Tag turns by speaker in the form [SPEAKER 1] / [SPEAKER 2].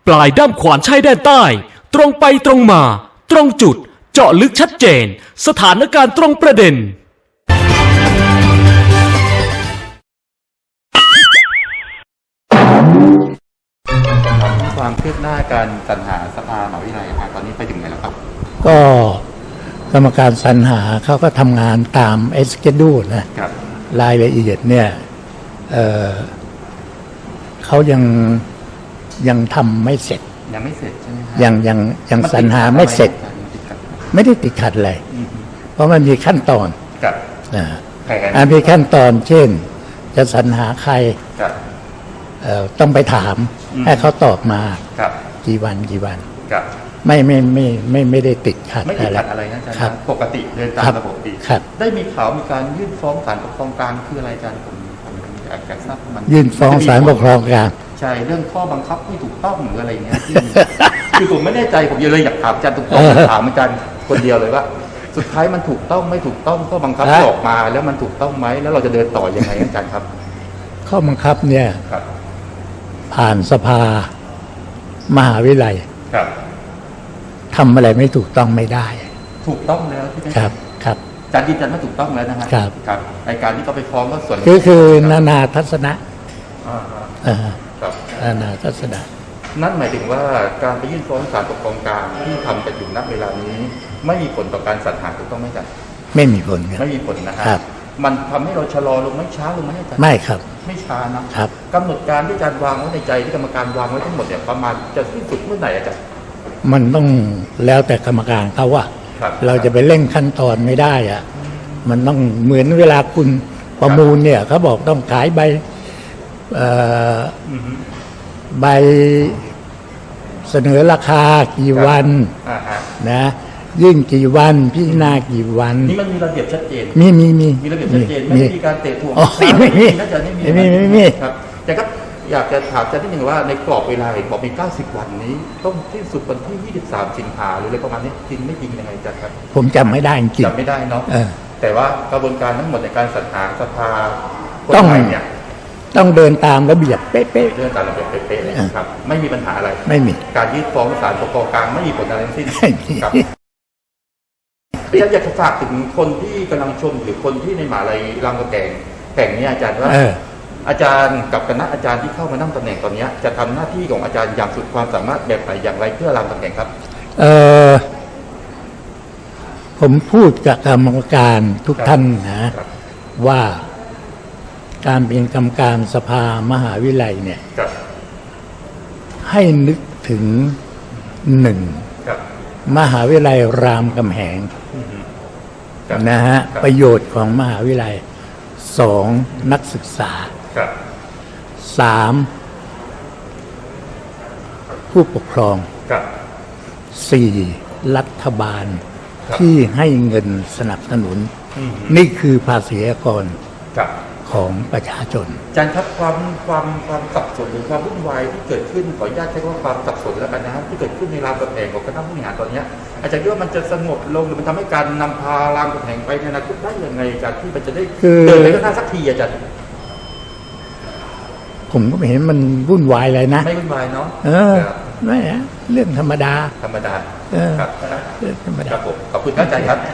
[SPEAKER 1] ปลายด้ามขวานชายแดนใต้ ตรงไปตรงมา ตรงจุด เจาะลึกชัดเจน สถานการณ์ตรงประเด็น
[SPEAKER 2] ความคืบหน้าการสรรหาสภามหาวิทยาลัยครับตอนนี้ไปถึงไหนแล้วครับ
[SPEAKER 3] ก็กรรมการสรรหาเขาก็ทำงานตามเอสเกดูนะครับ รายละเอียดเนี่ยเขายังทำไม่เสร็จ
[SPEAKER 2] ยังไม่เสร็จใช่ไหมครับ
[SPEAKER 3] ยังสรรหาไม่เสร็จ ไม่ได้ติดขัดอะไรเพราะมันมีขั้นตอน
[SPEAKER 2] กับ
[SPEAKER 3] นะ
[SPEAKER 2] แผน
[SPEAKER 3] อันมีขั้นตอนเช่น จะสรรหาใคร
[SPEAKER 2] กับ
[SPEAKER 3] ต้องไปถาม ให้เขาตอบมา
[SPEAKER 2] กับ
[SPEAKER 3] กี่วัน
[SPEAKER 2] กับ
[SPEAKER 3] ไม่ได้ติดขัด
[SPEAKER 2] ไม่ติดขัดอะไรนะอาจารย์
[SPEAKER 3] ครับ
[SPEAKER 2] ปกติเดินตา
[SPEAKER 3] ครั
[SPEAKER 2] ม
[SPEAKER 3] บ
[SPEAKER 2] ระบบดี
[SPEAKER 3] ครับ
[SPEAKER 2] ได้มีข่าวมีการยื่นฟ้องศาลปกครองกลางคืออะไรอาจารย์ผมอยากทราบมัน
[SPEAKER 3] ยื่นฟ้องศาลปกครองกลาง
[SPEAKER 2] ใช่เรื่องข้อบังคับไม่ถูกต้องหรืออะไรเงี้ยที่คือผมไม่แน่ใจผมเลยอยากถามอาจารย์ตรงๆถามอาจารย์คนเดียวเลยว่า สุดท้ายมันถูกต้องไม่ถูกต้องข้อบังคับที่ออกมาแล้วมันถูกต้องไหมแล้วเราจะเดินต่อยังไงอาจารย์ครับ
[SPEAKER 3] ข้อบังคับเนี่ย
[SPEAKER 2] ครับ
[SPEAKER 3] ผ่านสภามหาวิทยาลัย
[SPEAKER 2] ครับ
[SPEAKER 3] ทำอะไรไม่ถูกต้องไม่ได้
[SPEAKER 2] ถูกต้องแล้วใช่ไหม
[SPEAKER 3] ครับครับ
[SPEAKER 2] อาจารย์ยืนยันว่าถูกต้องแล้วนะฮะ
[SPEAKER 3] ครับ
[SPEAKER 2] ครับไอการที่เขาไปฟ้องก็ส่วน
[SPEAKER 3] คือนานาทัศนะ
[SPEAKER 2] อ่าฮะ
[SPEAKER 3] เอ่อ
[SPEAKER 2] ครับ
[SPEAKER 3] นานาทัศนะ
[SPEAKER 2] นั่นหมายถึงว่าการไปยื่นฟ้องศาลปกครองกลางที่ทำกันอยู่ณเวลานี้ ไม่มีผลต่อการสรรหาถูกต้องไหมอาจารย์
[SPEAKER 3] ไม่มีผลครับ
[SPEAKER 2] ไม่มีผลนะฮะ
[SPEAKER 3] ครับ
[SPEAKER 2] มันทำให้เราชะลอลงไม่ช้าลงไหมอาจารย์
[SPEAKER 3] ไม่ครับ
[SPEAKER 2] ไม่ช้านะครับ กำหนดการที่อาจารย์วางไว้ในใจที่กรรมการวางไว้ทั้งหมดเนี่ยประมาณจะสิ้นสุดเมื่อไหร่อาจารย์
[SPEAKER 3] มันต้องแล้วแต่กรรมการเขาว่า
[SPEAKER 2] ครับ
[SPEAKER 3] เราจะไปเร่งขั้นตอนไม่ได้อะมันต้องเหมือนเวลาคุณประมูลเนี่ยเขาบอกต้องขายใบใบเสนอราคากี่วัน
[SPEAKER 2] อ่าฮะ
[SPEAKER 3] นะยื่นกี่วันพิจารณากี่วัน
[SPEAKER 2] นี่มันมีระเบียบชัดเจน
[SPEAKER 3] มี
[SPEAKER 2] มีระเบียบชัดเจนไม่มีการเตะถ่วง
[SPEAKER 3] อ๋อไม่มี
[SPEAKER 2] น่าจะไม่มี
[SPEAKER 3] ไม่มี
[SPEAKER 2] ครับแต่ก็อยากจะถามอาจารย์นิดหนึ่งว่าในกรอบเวลาเห็นบอกมี 90 วันนี้ ต้องสิ้นสุดวันที่ 23 สิงหาหรืออะไรประมาณนี้จริงไม่จริงยังไงอาจารย์ครับ
[SPEAKER 3] ผมจำไม่ได้จริง
[SPEAKER 2] จำไม่ได้เนาะ
[SPEAKER 3] เออ
[SPEAKER 2] แต่ว่ากระบวนการทั้งหมดในการสรรหาสภาคน
[SPEAKER 3] ต้อง
[SPEAKER 2] ใหม่เนี่ย
[SPEAKER 3] ต้องเดินตามระเบียบเป๊ะ
[SPEAKER 2] เรื่องการระเบียบเป๊ะๆเลยครับ ไม่มีปัญหาอะไร
[SPEAKER 3] ๆไม่มี
[SPEAKER 2] การยื่นฟ้องศาลปกครองกลางไม่มีผลอะไรทั้งสิ้น
[SPEAKER 3] ไม่มี
[SPEAKER 2] ครับอยากจะฝากถึงคนที่กำลังชมหรือคนที่ในมหาลัยรามคำแห่งนี้อาจารย์ว่า อาจารย์กับคณะอาจารย์ที่เข้ามานั่งตำแหน่งตอนนี้จะทำหน้าที่ของอาจารย์อย่างสุดความสามารถแบบไหนอย่างไรเพื่อรามคำแหงครับ
[SPEAKER 3] ผมพูดกับกรรมการทุกท่านนะ
[SPEAKER 2] ครับ
[SPEAKER 3] ว่าการเป็นกรรมการสภามหาวิทยาลัยเนี่ย
[SPEAKER 2] ครับ
[SPEAKER 3] ให้นึกถึงหนึ่ง
[SPEAKER 2] ครับ
[SPEAKER 3] มหาวิทยาลัยรามคำแหง
[SPEAKER 2] ครับ
[SPEAKER 3] นะฮะ
[SPEAKER 2] ครับ
[SPEAKER 3] ประโยชน์ของมหาวิทยาลัยสองนักศึกษา
[SPEAKER 2] ครับ
[SPEAKER 3] สามผู้ปกครอง
[SPEAKER 2] ครับ
[SPEAKER 3] สี่รัฐบาล
[SPEAKER 2] ครับ
[SPEAKER 3] ที่ให้เงินสนับสนุน นี่คือภาษีกร
[SPEAKER 2] ครับ
[SPEAKER 3] ของประชาชน
[SPEAKER 2] อาจารย์ครับความสับสนหรือความวุ่นวายที่เกิดขึ้นขออนุญาตใช้คำว่าความสับสนแล้วกันนะครับที่เกิดขึ้นในรามคำแหงของคณะผู้บริหารตอนเนี้ยอาจารย์คิดว่ามันจะสงบลงหรือมันทำให้การนำพารามคำแหงไปในอนาคตได้ยังไงอาจารย์ที่มันจะได้
[SPEAKER 3] คือ
[SPEAKER 2] เดินไปข้างหน้าสักทีอาจารย์
[SPEAKER 3] ผมก็ไม่เห็นมันวุ่นวายอะไรนะ
[SPEAKER 2] ไม่วุ่นวายเนาะ ครับ
[SPEAKER 3] ไม่ฮะเรื่องธรรมดา
[SPEAKER 2] ธรรมดา
[SPEAKER 3] เออ
[SPEAKER 2] ครับ
[SPEAKER 3] เรื่องธรรม
[SPEAKER 2] ค
[SPEAKER 3] ดา
[SPEAKER 2] รับผมขอบคุณครับอาจารย์ครับ